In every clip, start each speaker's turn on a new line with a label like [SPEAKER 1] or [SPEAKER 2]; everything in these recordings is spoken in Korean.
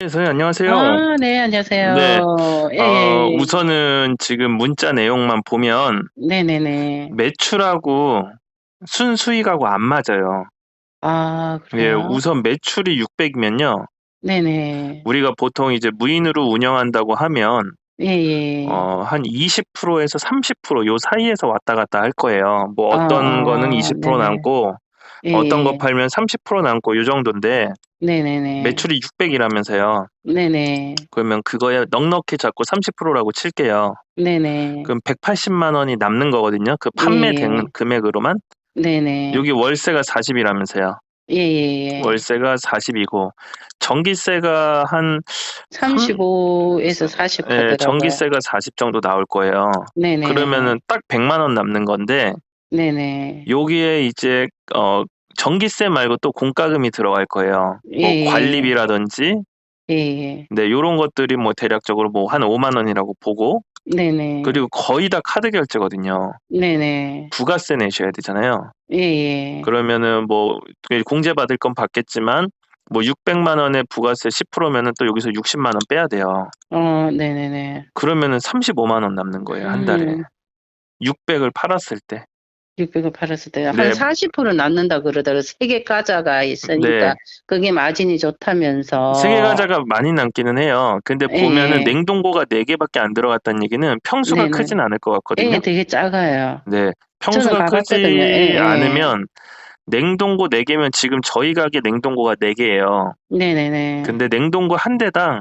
[SPEAKER 1] 네, 선생님 안녕하세요.
[SPEAKER 2] 아 네
[SPEAKER 1] 네.
[SPEAKER 2] 안녕하세요. 예예.
[SPEAKER 1] 우선은 지금 문자 내용만 보면
[SPEAKER 2] 네네네.
[SPEAKER 1] 매출하고 순수익하고 안 맞아요.
[SPEAKER 2] 아
[SPEAKER 1] 예,
[SPEAKER 2] 그래요?
[SPEAKER 1] 우선 매출이 600이면요.
[SPEAKER 2] 네네.
[SPEAKER 1] 우리가 보통 이제 무인으로 운영한다고 하면
[SPEAKER 2] 예예.
[SPEAKER 1] 한 20%에서 30%요 사이에서 왔다 갔다 할 거예요. 뭐 어떤 거는
[SPEAKER 2] 네네.
[SPEAKER 1] 20% 남고 어떤 거
[SPEAKER 2] 예예.
[SPEAKER 1] 팔면 30% 남고 요 정도인데
[SPEAKER 2] 네네네.
[SPEAKER 1] 매출이 600이라면서요.
[SPEAKER 2] 네네.
[SPEAKER 1] 그러면 그거에 넉넉히 잡고 30%라고 칠게요.
[SPEAKER 2] 네네.
[SPEAKER 1] 그럼 180만 원이 남는 거거든요. 그 판매된
[SPEAKER 2] 예예.
[SPEAKER 1] 금액으로만.
[SPEAKER 2] 네네.
[SPEAKER 1] 여기 월세가 40이라면서요.
[SPEAKER 2] 예예예.
[SPEAKER 1] 월세가 40이고 전기세가 한 3
[SPEAKER 2] 35 에서 40
[SPEAKER 1] 예,
[SPEAKER 2] 하더라고요.
[SPEAKER 1] 전기세가 40 정도 나올 거예요.
[SPEAKER 2] 네네.
[SPEAKER 1] 그러면은 딱 100만 원 남는 건데
[SPEAKER 2] 네네.
[SPEAKER 1] 여기에 이제 전기세 말고 또 공과금이 들어갈 거예요. 뭐
[SPEAKER 2] 예예예.
[SPEAKER 1] 관리비라든지
[SPEAKER 2] 예예.
[SPEAKER 1] 네, 요런 것들이 뭐 대략적으로 뭐 한 5만 원이라고 보고
[SPEAKER 2] 네네.
[SPEAKER 1] 그리고 거의 다 카드 결제거든요.
[SPEAKER 2] 네네.
[SPEAKER 1] 부가세 내셔야 되잖아요.
[SPEAKER 2] 예예.
[SPEAKER 1] 그러면은 뭐 공제 받을 건 받겠지만 뭐 600만 원에 부가세 10%면은 또 여기서 60만 원 빼야 돼요.
[SPEAKER 2] 네네네.
[SPEAKER 1] 그러면은 35만 원 남는 거예요, 한 달에.
[SPEAKER 2] 음.
[SPEAKER 1] 600을 팔았을 때.
[SPEAKER 2] 600을 팔았을 때 한
[SPEAKER 1] 네.
[SPEAKER 2] 40% 남는다 그러더라고요. 세계 과자가 있으니까
[SPEAKER 1] 네.
[SPEAKER 2] 그게 마진이
[SPEAKER 1] 세계
[SPEAKER 2] 좋다면서.
[SPEAKER 1] 과자가 많이 남기는 해요. 근데 보면은
[SPEAKER 2] 예예.
[SPEAKER 1] 냉동고가 4 개밖에 안 들어갔다는 얘기는 평수가
[SPEAKER 2] 네네.
[SPEAKER 1] 크진 않을 것
[SPEAKER 2] 예
[SPEAKER 1] 같거든요.
[SPEAKER 2] 되게 작아요.
[SPEAKER 1] 네.
[SPEAKER 2] 저는
[SPEAKER 1] 평수가
[SPEAKER 2] 가 봤거든요.
[SPEAKER 1] 크지
[SPEAKER 2] 예예.
[SPEAKER 1] 않으면 냉동고 4 개면 지금 저희 가게 냉동고가 4 개예요.
[SPEAKER 2] 네네네.
[SPEAKER 1] 근데 냉동고 한 대당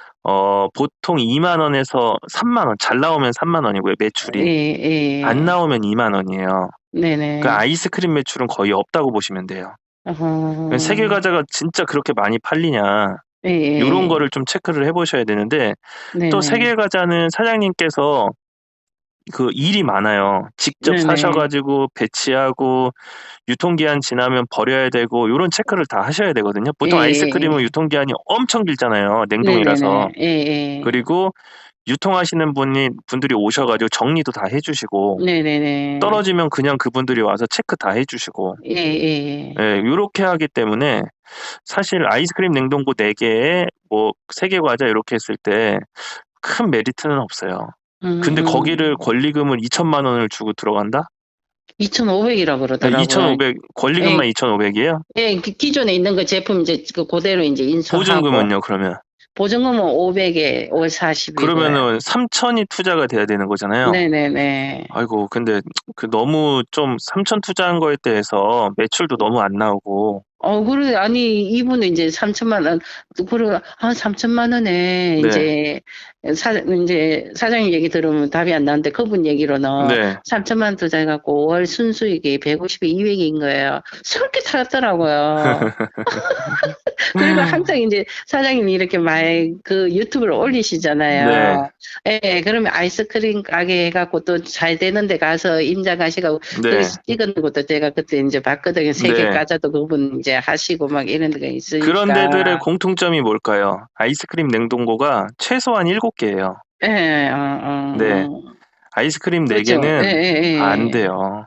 [SPEAKER 1] 보통 2만 원에서 3만 원, 잘 나오면 3만 원이고요, 매출이. 안
[SPEAKER 2] 예예.
[SPEAKER 1] 나오면 2만 원이에요. 그
[SPEAKER 2] 네네.
[SPEAKER 1] 아이스크림 매출은 거의 없다고 보시면 돼요. 세계
[SPEAKER 2] 어.
[SPEAKER 1] 과자가 진짜 그렇게 많이 팔리냐, 요런
[SPEAKER 2] 예예.
[SPEAKER 1] 거를 좀 체크를 해 보셔야 되는데 또
[SPEAKER 2] 네네.
[SPEAKER 1] 세계 과자는 사장님께서 그 일이 많아요. 직접 사셔
[SPEAKER 2] 네네.
[SPEAKER 1] 가지고 배치하고 유통기한 지나면 버려야 되고 요런 체크를 다 하셔야 되거든요. 보통 아이스크림은
[SPEAKER 2] 예예예.
[SPEAKER 1] 유통기한이 엄청 길잖아요, 냉동이라서.
[SPEAKER 2] 네네네. 예예.
[SPEAKER 1] 그리고 유통하시는 분들이 오셔 가지고 정리도 다 해 주시고
[SPEAKER 2] 네네네.
[SPEAKER 1] 떨어지면 그냥 그분들이 와서 체크 다 해 주시고
[SPEAKER 2] 예예예.
[SPEAKER 1] 예, 요렇게 하기 때문에 사실 아이스크림 냉동고 4 개에 뭐 3개 과자 요렇게 했을 때 큰 메리트는 없어요. 근데 거기를
[SPEAKER 2] 음음.
[SPEAKER 1] 권리금을 2천만 원을 주고 들어간다?
[SPEAKER 2] 2,500 이라
[SPEAKER 1] 아,
[SPEAKER 2] 그러더라고요.
[SPEAKER 1] 2,500, 권리금만
[SPEAKER 2] 예.
[SPEAKER 1] 2,500 이에요?
[SPEAKER 2] 예. 기존에 있는 거 제품 이제 고대로 인제 인수하고
[SPEAKER 1] 보증금은요, 그러면?
[SPEAKER 2] 보증금은 500에 월 40 이고요.
[SPEAKER 1] 그러면은 3천이 투자가 돼야 되는 거잖아요.
[SPEAKER 2] 네네네.
[SPEAKER 1] 아이고, 근데 너무 좀 3천 투자한 거에 대해서 매출도 너무 안 나오고.
[SPEAKER 2] 그래 아니 이분은 인제 3천만 원 그리고 3천만 원에
[SPEAKER 1] 네.
[SPEAKER 2] 인제 사장님 얘기 들으면 답이 안 나는데 그분 얘기로는
[SPEAKER 1] 네.
[SPEAKER 2] 3천만 원 투자해 갖고 월 순수익이 150에 200 인 거예요. 솔깃하더라고요. 그리고 항상 인제 사장님이 이렇게 그 유튜브를
[SPEAKER 1] 네.
[SPEAKER 2] 올리시잖아요. 예. 그러면 아이스크림 가게 해 갖고 또 잘 되는 데 가서 임장 하시고
[SPEAKER 1] 네.
[SPEAKER 2] 거기서 찍은 것도 제가 그때 인제 봤거든요. 세계
[SPEAKER 1] 네.
[SPEAKER 2] 과자도 그분 인제 하시고 막 이런 데가
[SPEAKER 1] 그런 데들의
[SPEAKER 2] 있으니까.
[SPEAKER 1] 공통점이 뭘까요? 아이스크림 냉동고가 최소한 7 개예요.
[SPEAKER 2] 예.
[SPEAKER 1] 네. 아이스크림 4
[SPEAKER 2] 그죠.
[SPEAKER 1] 개는 안
[SPEAKER 2] 예예예.
[SPEAKER 1] 돼요.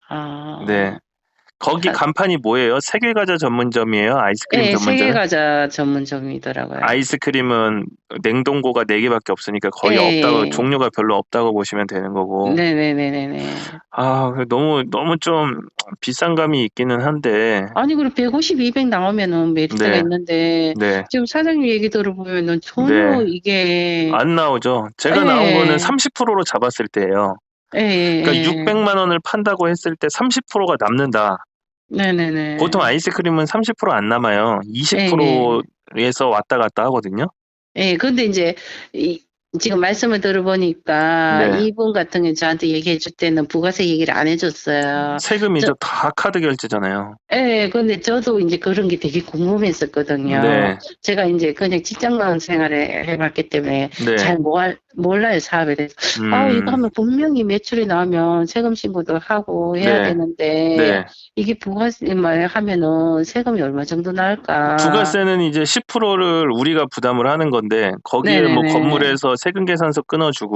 [SPEAKER 1] 네.
[SPEAKER 2] 아.
[SPEAKER 1] 거기
[SPEAKER 2] 하
[SPEAKER 1] 간판이 뭐예요? 세계 과자 전문점이에요? 아이스크림
[SPEAKER 2] 예. 세계
[SPEAKER 1] 전문점이에요?
[SPEAKER 2] 과자 전문점이더라고요.
[SPEAKER 1] 아이스크림은 냉동고가 4 개밖에 없으니까 거의 없다고,
[SPEAKER 2] 예예.
[SPEAKER 1] 종류가 별로 없다고 보시면 되는 거고.
[SPEAKER 2] 네네네네네.
[SPEAKER 1] 너무 좀 비싼 감이 있기는 한데.
[SPEAKER 2] 아니 그리고 150, 200 나오면은 메리트가
[SPEAKER 1] 네.
[SPEAKER 2] 있는데
[SPEAKER 1] 네.
[SPEAKER 2] 지금 사장님 얘기 들어보면은 전혀
[SPEAKER 1] 네.
[SPEAKER 2] 이게
[SPEAKER 1] 안 나오죠. 제가 나온 거는
[SPEAKER 2] 예.
[SPEAKER 1] 30%로 잡았을 때예요. 그러니까
[SPEAKER 2] 예예예.
[SPEAKER 1] 600만 원을 판다고 했을 때 30%가 남는다. 보통
[SPEAKER 2] 네네네.
[SPEAKER 1] 아이스크림은 30%안 남아요.
[SPEAKER 2] 예예.
[SPEAKER 1] 20%에서 왔다 갔다 하거든요.
[SPEAKER 2] 예. 근데 인제 이 지금 말씀을 들어보니까
[SPEAKER 1] 네.
[SPEAKER 2] 이분 같은 경우는 저한테 얘기해 줄 때는 부가세 얘기를 안 해 줬어요. 저
[SPEAKER 1] 세금이죠. 다 카드 결제잖아요.
[SPEAKER 2] 예. 근데 저도 인제 그런 게 되게 궁금했었거든요.
[SPEAKER 1] 네.
[SPEAKER 2] 제가 인제 그냥 직장만 생활을 해 봤기 때문에
[SPEAKER 1] 네.
[SPEAKER 2] 잘 몰라요, 사업에 대해서. 이거
[SPEAKER 1] 음.
[SPEAKER 2] 하면 분명히 매출이 나오면 세금 신고도 하고 해야
[SPEAKER 1] 네.
[SPEAKER 2] 되는데
[SPEAKER 1] 네.
[SPEAKER 2] 이게 부가세만 하면은 세금이 얼마 정도 나올까?
[SPEAKER 1] 부가세는 이제 10%를 우리가 부담을 하는 건데 거기에 뭐
[SPEAKER 2] 네네네.
[SPEAKER 1] 건물에서 세금 계산서 끊어 주고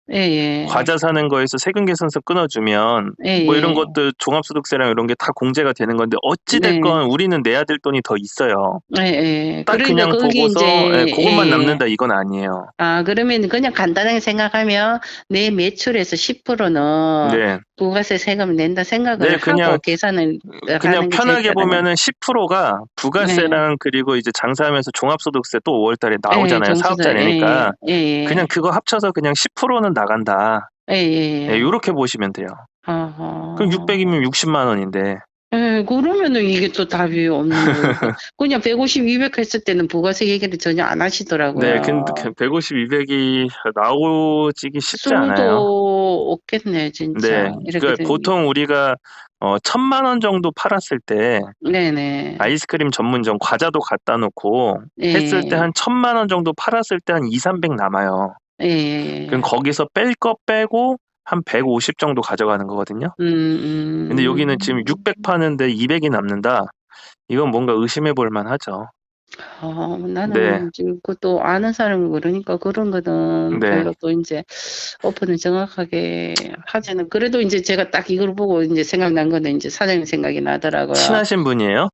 [SPEAKER 2] 예, 예.
[SPEAKER 1] 과자 사는 거에서 세금 계산서 끊어주면
[SPEAKER 2] 예,
[SPEAKER 1] 뭐 이런
[SPEAKER 2] 예.
[SPEAKER 1] 것들 종합소득세랑 이런 게 다 공제가 되는 건데 어찌
[SPEAKER 2] 네.
[SPEAKER 1] 됐건 우리는 내야 될 돈이 더 있어요.
[SPEAKER 2] 예, 예.
[SPEAKER 1] 딱
[SPEAKER 2] 그러니까
[SPEAKER 1] 그냥
[SPEAKER 2] 거기
[SPEAKER 1] 보고서 예,
[SPEAKER 2] 이제
[SPEAKER 1] 그것만
[SPEAKER 2] 예.
[SPEAKER 1] 남는다 이건 아니에요.
[SPEAKER 2] 아, 그러면 그냥 간단하게 생각하면 내 매출에서 10%는
[SPEAKER 1] 네.
[SPEAKER 2] 부가세 세금을 낸다 생각을
[SPEAKER 1] 네, 그냥
[SPEAKER 2] 하고 계산을
[SPEAKER 1] 그냥
[SPEAKER 2] 하는 게 제일
[SPEAKER 1] 편하게
[SPEAKER 2] 편하네요.
[SPEAKER 1] 보면은 10%가
[SPEAKER 2] 네.
[SPEAKER 1] 부가세랑 그리고 이제 장사하면서 종합소득세 또 5월 달에
[SPEAKER 2] 예,
[SPEAKER 1] 나오잖아요.
[SPEAKER 2] 정수세. 예,
[SPEAKER 1] 사업자니까.
[SPEAKER 2] 예,
[SPEAKER 1] 그냥
[SPEAKER 2] 예.
[SPEAKER 1] 그거 합쳐서 그냥 10%는 나간다.
[SPEAKER 2] 예, 예.
[SPEAKER 1] 예, 요렇게 보시면 돼요. 그럼
[SPEAKER 2] 아하.
[SPEAKER 1] 600이면 60만 원인데.
[SPEAKER 2] 예, 그러면은 이게 또 답이 없는 거니까. 그냥 150, 200 했을 때는 부가세 얘기를 전혀 안
[SPEAKER 1] 네,
[SPEAKER 2] 하시더라고요.
[SPEAKER 1] 근데 150, 200이 나오지기 쉽지 않아요.
[SPEAKER 2] 수도 없겠네, 진짜.
[SPEAKER 1] 네,
[SPEAKER 2] 이렇게
[SPEAKER 1] 그
[SPEAKER 2] 되면.
[SPEAKER 1] 보통 우리가 1,000만 원 정도 팔았을 때
[SPEAKER 2] 네네.
[SPEAKER 1] 아이스크림 전문점 과자도 갖다 놓고 했을 때
[SPEAKER 2] 예,
[SPEAKER 1] 한 1,000만 원 정도 팔았을 때 한 2, 300 남아요. 그럼
[SPEAKER 2] 예.
[SPEAKER 1] 거기서 뺄 거 빼고 한 150 정도 가져가는 거거든요. 근데 여기는 지금 600 파는데 200이 남는다. 이건 뭔가 의심해 볼 만하죠.
[SPEAKER 2] 아,
[SPEAKER 1] 네.
[SPEAKER 2] 나는 지금 그것도 아는 사람이 그러니까 그런 거는
[SPEAKER 1] 네.
[SPEAKER 2] 별로 또 이제 오픈을 정확하게 하자는. 그래도 이제 제가 딱 이걸 보고 이제 생각난 거는 이제 사장님 생각이 나더라고요.
[SPEAKER 1] 친하신 분이에요?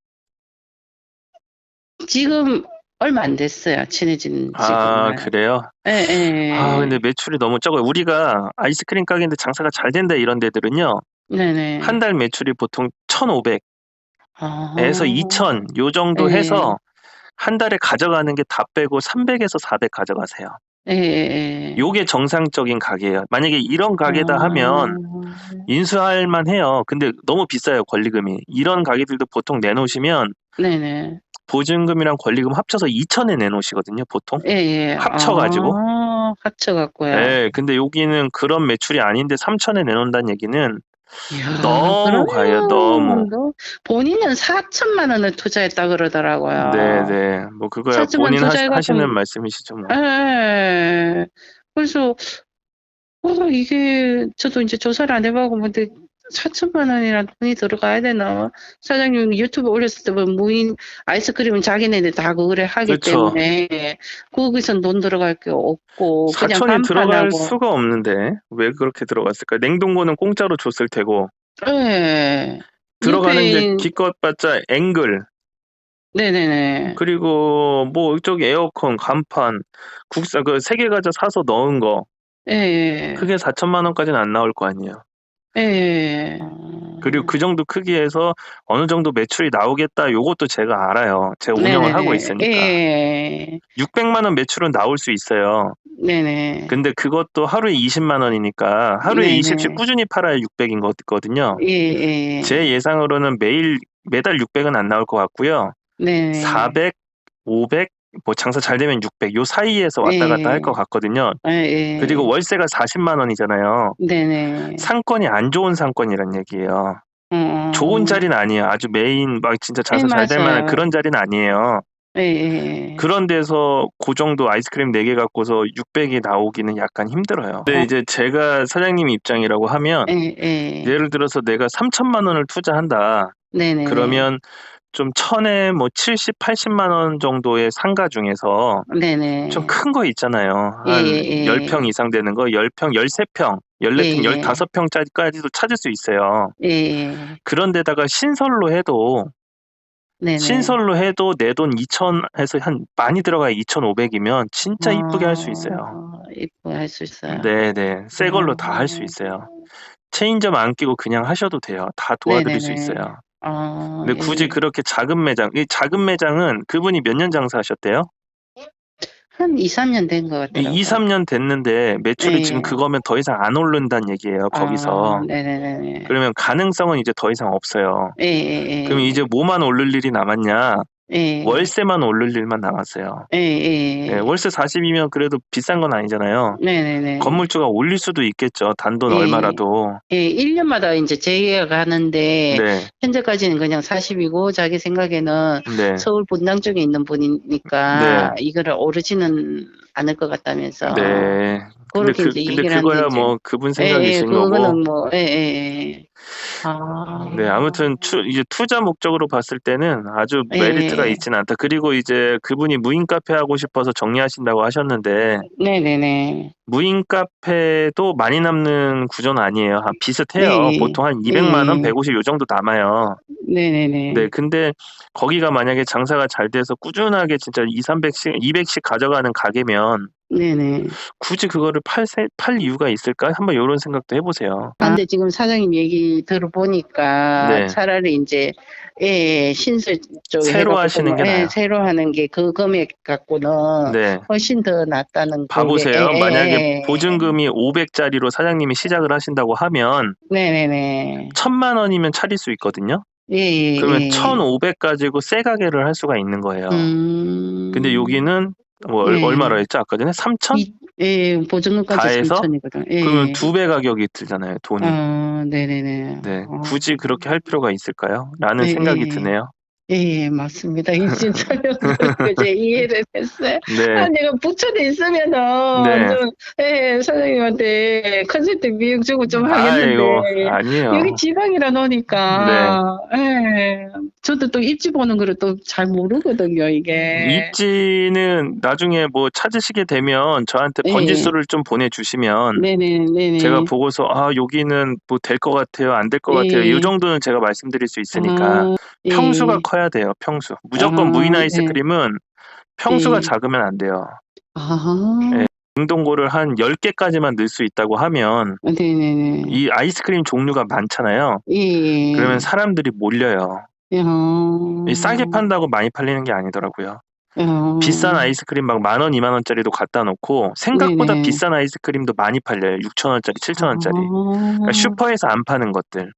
[SPEAKER 2] 지금 얼마 안 됐어요. 친해진
[SPEAKER 1] 아,
[SPEAKER 2] 지금은.
[SPEAKER 1] 그래요?
[SPEAKER 2] 예,
[SPEAKER 1] 아,
[SPEAKER 2] 예.
[SPEAKER 1] 근데 매출이 너무 적어요. 우리가 아이스크림 가게인데 장사가 잘 된다 이런 데들은요.
[SPEAKER 2] 네네.
[SPEAKER 1] 한 달 매출이 보통 1,500에서
[SPEAKER 2] 아,
[SPEAKER 1] 2,000 요 정도
[SPEAKER 2] 예,
[SPEAKER 1] 해서 한 달에 가져가는 게 다 빼고 300에서 400 가져가세요.
[SPEAKER 2] 예, 예.
[SPEAKER 1] 요게 정상적인 가게예요. 만약에 이런 가게다
[SPEAKER 2] 아,
[SPEAKER 1] 하면 인수할 만해요. 근데 너무 비싸요, 권리금이. 이런 가게들도 보통 내놓으시면
[SPEAKER 2] 네네.
[SPEAKER 1] 보증금이랑 권리금 합쳐서 2,000에 내놓으시거든요, 보통.
[SPEAKER 2] 예, 예.
[SPEAKER 1] 합쳐가지고.
[SPEAKER 2] 아, 합쳐갖고요.
[SPEAKER 1] 예, 근데 여기는 그런 매출이 아닌데 3,000에 내놓는다는 얘기는
[SPEAKER 2] 이야,
[SPEAKER 1] 너무 과해요, 너무.
[SPEAKER 2] 그러면 본인은 4천만 원을 투자했다 그러더라고요.
[SPEAKER 1] 네네. 뭐 그거야
[SPEAKER 2] 4천만
[SPEAKER 1] 본인
[SPEAKER 2] 투자해갖고,
[SPEAKER 1] 하시는 말씀이시죠, 뭐.
[SPEAKER 2] 예. 그래서 이게 저도 이제 조사를 안 해보고 근데 4천만 원이나 돈이 들어가야 되나? 사장님 유튜브 올렸을 때 보면 무인 아이스크림은 자기네들 다 그거를 하기
[SPEAKER 1] 그쵸.
[SPEAKER 2] 때문에 거기선 돈 들어갈 게 없고 그냥
[SPEAKER 1] 4,000이 들어갈
[SPEAKER 2] 간판하고.
[SPEAKER 1] 수가 없는데 왜 그렇게 들어갔을까? 냉동고는 공짜로 줬을 테고
[SPEAKER 2] 예.
[SPEAKER 1] 들어가는 이제
[SPEAKER 2] 옆에
[SPEAKER 1] 기껏봤자 앵글
[SPEAKER 2] 네네네.
[SPEAKER 1] 그리고 뭐 이쪽 에어컨, 간판, 국산 그 세계과자 사서 넣은 거
[SPEAKER 2] 예.
[SPEAKER 1] 그게 4천만 원까지는 안 나올 거 아니에요.
[SPEAKER 2] 예.
[SPEAKER 1] 그리고 그 정도 크기에서 어느 정도 매출이 나오겠다 요것도 제가 알아요. 제가 운영을 하고
[SPEAKER 2] 네네네.
[SPEAKER 1] 있으니까.
[SPEAKER 2] 예.
[SPEAKER 1] 600만 원 매출은 나올 수 있어요.
[SPEAKER 2] 네네.
[SPEAKER 1] 근데 그것도 하루에 20만 원이니까 하루에
[SPEAKER 2] 네네.
[SPEAKER 1] 20씩 꾸준히 팔아야 600인 거거든요.
[SPEAKER 2] 예.
[SPEAKER 1] 제 예상으로는 매달 600은 안 나올 것 같고요.
[SPEAKER 2] 네.
[SPEAKER 1] 400, 500, 뭐 장사 잘 되면 600 요 사이에서 왔다 갔다 할 것 같거든요.
[SPEAKER 2] 예.
[SPEAKER 1] 그리고 월세가 40만 원이잖아요.
[SPEAKER 2] 네네.
[SPEAKER 1] 상권이 안 좋은 상권이란 얘기예요. 좋은 자리는 아니에요. 아주 메인 막 진짜 장사 잘 될 만한
[SPEAKER 2] 맞아요.
[SPEAKER 1] 그런 자리는 아니에요.
[SPEAKER 2] 예.
[SPEAKER 1] 그런 데서 그 정도 아이스크림 4개 갖고서 600이 나오기는 약간 힘들어요. 근데 이제 제가 사장님 입장이라고 하면
[SPEAKER 2] 예.
[SPEAKER 1] 예를 들어서 내가 3천만 원을 투자한다.
[SPEAKER 2] 네네.
[SPEAKER 1] 그러면 좀 1,000에 뭐 70, 80만 원 정도의 상가 중에서
[SPEAKER 2] 네네.
[SPEAKER 1] 좀 큰 거 있잖아요. 한 10평 이상 되는 거, 10평, 13평, 14평, 15평짜리까지도 찾을 수 있어요.
[SPEAKER 2] 예.
[SPEAKER 1] 그런 데다가 신설로 해도
[SPEAKER 2] 네네.
[SPEAKER 1] 신설로 해도 내 돈 2,000에서 한 많이 들어가야 2,500이면 진짜 이쁘게 할 수 있어요.
[SPEAKER 2] 이쁘게 할 수 있어요.
[SPEAKER 1] 네네. 새 걸로 다 할 수 있어요. 체인점 안 끼고 그냥 하셔도 돼요. 다 도와드릴 수
[SPEAKER 2] 네네네.
[SPEAKER 1] 있어요.
[SPEAKER 2] 아,
[SPEAKER 1] 근데 굳이 그렇게 작은 매장, 이 작은 매장은 그분이 몇 년 장사하셨대요?
[SPEAKER 2] 한 2, 3년 된 것 같더라고요.
[SPEAKER 1] 2, 3년 됐는데 매출이
[SPEAKER 2] 예.
[SPEAKER 1] 지금 그거면 더 이상 안 오른다는 얘기예요, 거기서.
[SPEAKER 2] 네네네.
[SPEAKER 1] 그러면 가능성은 이제 더 이상 없어요. 그럼 이제 뭐만 오를 일이 남았냐? 월세만 오를 일만 남았어요. 네, 월세 40이면 그래도 비싼 건 아니잖아요.
[SPEAKER 2] 네네네.
[SPEAKER 1] 건물주가 올릴 수도 있겠죠. 단돈 얼마라도.
[SPEAKER 2] 1년마다 이제 재계약하는데
[SPEAKER 1] 네,
[SPEAKER 2] 현재까지는 그냥 40이고 자기 생각에는
[SPEAKER 1] 네.
[SPEAKER 2] 서울 본당 쪽에 있는 분이니까 이거를 오르지는 않을 것 같다면서.
[SPEAKER 1] 네.
[SPEAKER 2] 그렇게 이제
[SPEAKER 1] 근데
[SPEAKER 2] 얘기를
[SPEAKER 1] 그거야
[SPEAKER 2] 하는데
[SPEAKER 1] 뭐 그분
[SPEAKER 2] 예, 예,
[SPEAKER 1] 생각이신 거고.
[SPEAKER 2] 그거는 뭐, 예, 예, 예.
[SPEAKER 1] 네, 아무튼 이제 투자 목적으로 봤을 때는 아주 메리트가
[SPEAKER 2] 예,
[SPEAKER 1] 있진 않다. 그리고 이제 그분이 무인 카페 하고 싶어서 정리하신다고 하셨는데
[SPEAKER 2] 네네네.
[SPEAKER 1] 무인 카페도 많이 남는 구조는 아니에요. 비슷해요.
[SPEAKER 2] 예,
[SPEAKER 1] 보통 한
[SPEAKER 2] 예,
[SPEAKER 1] 200만 원,
[SPEAKER 2] 예.
[SPEAKER 1] 150 요 정도 남아요.
[SPEAKER 2] 네네네.
[SPEAKER 1] 네, 근데 거기가 만약에 장사가 잘 돼서 꾸준하게 진짜 200씩, 200씩 가져가는 가게면
[SPEAKER 2] 네네.
[SPEAKER 1] 굳이 그거를 팔 이유가 있을까? 한번 이런 생각도 해보세요.
[SPEAKER 2] 근데 지금 사장님 얘기 들어보니까
[SPEAKER 1] 네.
[SPEAKER 2] 차라리 이제 예, 신설 쪽에
[SPEAKER 1] 새로
[SPEAKER 2] 해갖고
[SPEAKER 1] 하시는 게 나아요.
[SPEAKER 2] 새로 하는 게 그 금액 갖고는
[SPEAKER 1] 네.
[SPEAKER 2] 훨씬 더 낫다는
[SPEAKER 1] 봐보세요.
[SPEAKER 2] 그게
[SPEAKER 1] 만약에 보증금이 500짜리로 사장님이 시작을 하신다고 하면
[SPEAKER 2] 네네네.
[SPEAKER 1] 1000만 원이면 차릴 수 있거든요.
[SPEAKER 2] 예,
[SPEAKER 1] 그러면
[SPEAKER 2] 예.
[SPEAKER 1] 1500 가지고 새 가게를 할 수가 있는 거예요. 근데 여기는 뭐
[SPEAKER 2] 예.
[SPEAKER 1] 얼마로 했죠? 아까 전에 3000?
[SPEAKER 2] 예, 보증금까지
[SPEAKER 1] 다 해서?
[SPEAKER 2] 3000이거든. 예.
[SPEAKER 1] 그러면 2배 가격이 들잖아요, 돈이.
[SPEAKER 2] 네네네.
[SPEAKER 1] 네, 굳이 그렇게 할 필요가 있을까요? 라는
[SPEAKER 2] 예,
[SPEAKER 1] 생각이
[SPEAKER 2] 예.
[SPEAKER 1] 드네요.
[SPEAKER 2] 예, 맞습니다. 이제 설명드리고 제 이해를 했어요.
[SPEAKER 1] 네.
[SPEAKER 2] 내가 부천에 있으면은
[SPEAKER 1] 네.
[SPEAKER 2] 좀 사장님한테 컨설팅 비용 주고 좀
[SPEAKER 1] 아이고,
[SPEAKER 2] 하겠는데
[SPEAKER 1] 아니에요.
[SPEAKER 2] 여기 지방이라 노니까 저도 또 입지 보는 거를 또 잘 모르거든요, 이게.
[SPEAKER 1] 입지는 나중에 뭐 찾으시게 되면 저한테 번지수를 좀 보내주시면
[SPEAKER 2] 네네.
[SPEAKER 1] 제가 보고서 여기는 뭐 될 것 같아요, 안 될 것 같아요. 이 정도는 제가 말씀드릴 수 있으니까 평수가 커야 돼요, 평수. 무조건 무인 아이스크림은 평수가 작으면 안 돼요. 네, 냉동고를 한 10개까지만 넣을 수 있다고 하면
[SPEAKER 2] 네네네.
[SPEAKER 1] 이 아이스크림 종류가 많잖아요. 그러면 사람들이 몰려요. 싸게 판다고 많이 팔리는 게 아니더라고요. 비싼 아이스크림 막 10,000원, 20,000원짜리도 갖다 놓고 생각보다 비싼 아이스크림도 많이 팔려요. 6,000원짜리, 7,000원짜리. 그러니까 슈퍼에서 안 파는 것들.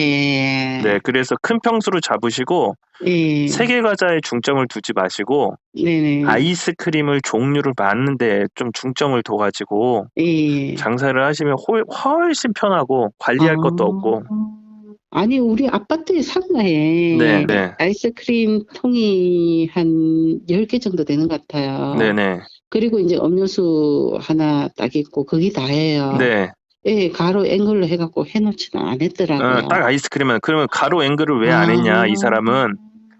[SPEAKER 1] 네, 그래서 큰 평수로 잡으시고 세계 과자에 중점을 두지 마시고 아이스크림을 종류를 많은데 좀 중점을 둬가지고 장사를 하시면 훨씬 편하고 관리할 것도 없고.
[SPEAKER 2] 아니, 우리 아파트 상가에
[SPEAKER 1] 네.
[SPEAKER 2] 아이스크림 통이 한 10개 정도 되는 것 같아요.
[SPEAKER 1] 네네.
[SPEAKER 2] 그리고 이제 음료수 하나 딱 있고, 그게 다예요.
[SPEAKER 1] 네.
[SPEAKER 2] 예, 가로 앵글로 해갖고 해놓지는 않았더라고요.
[SPEAKER 1] 딱 아이스크림은. 그러면 가로 앵글을 왜 안 했냐, 이 사람은.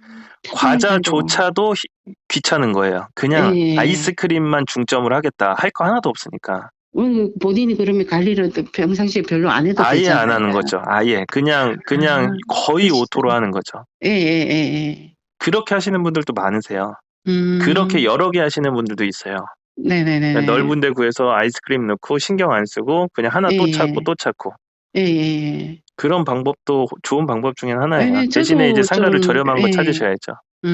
[SPEAKER 1] 과자조차도 귀찮은 거예요. 그냥 아이스크림만 중점을 하겠다. 할 거 하나도 없으니까.
[SPEAKER 2] 본인이 그러면 관리를 평상시에 별로 안 해도
[SPEAKER 1] 아예
[SPEAKER 2] 되잖아요.
[SPEAKER 1] 안 하는 거죠. 아예. 그냥 거의 오토로 하는 거죠. 그렇게 하시는 분들도 많으세요. 그렇게 여러 개 하시는 분들도 있어요.
[SPEAKER 2] 네네네.
[SPEAKER 1] 그러니까 넓은 데 구해서 아이스크림 넣고 신경 안 쓰고 그냥 하나 또 찾고 또 찾고. 그런 방법도 좋은 방법 중에 하나예요. 대신에 이제 상가를 저렴한 거 찾으셔야죠.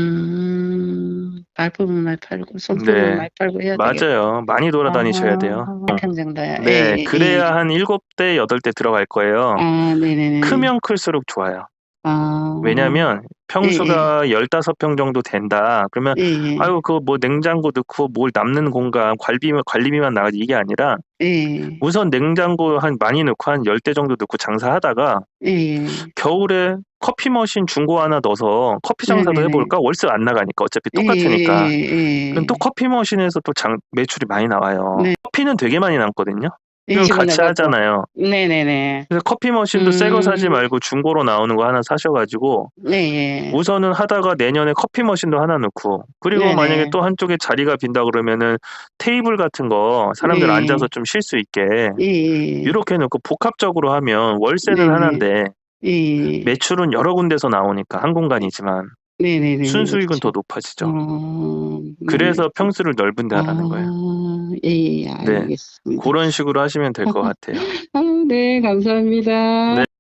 [SPEAKER 2] 말품은 많이 팔고 손품은 많이 팔고 해야 되겠다.
[SPEAKER 1] 맞아요. 많이 돌아다니셔야 돼요.
[SPEAKER 2] 평정다야.
[SPEAKER 1] 네, 그래야 한 7대, 8대 들어갈 거예요.
[SPEAKER 2] 네네네.
[SPEAKER 1] 크면 클수록 좋아요. 왜냐면 평수가 15평 정도 된다. 그러면 아유 그거 뭐 냉장고 넣고 뭘 남는 공간 관리비만 나가지 이게 아니라 우선 냉장고 많이 넣고 한 10대 정도 넣고 장사하다가 겨울에 커피 머신 중고 하나 넣어서 커피 장사도 해볼까? 월세 안 나가니까 어차피 똑같으니까. 그럼 또 커피 머신에서 또 매출이 많이 나와요. 커피는 되게 많이 남거든요. 그럼 같이 하잖아요.
[SPEAKER 2] 네네네.
[SPEAKER 1] 그래서 커피 머신도 새 거 사지 말고 중고로 나오는 거 하나 사셔가지고 우선은 하다가 내년에 커피 머신도 하나 넣고 그리고 만약에 또 한쪽에 자리가 빈다 그러면은 테이블 같은 거 사람들 앉아서 좀 쉴 수 있게 이렇게 넣고 복합적으로 하면 월세는 하나인데 매출은 여러 군데서 나오니까 한 공간이지만 순수익은 더 높아지죠. 그래서 평수를 넓은 데 하라는 거예요. 알겠습니다. 그런 식으로 하시면 될 것 같아요.
[SPEAKER 2] 네, 감사합니다.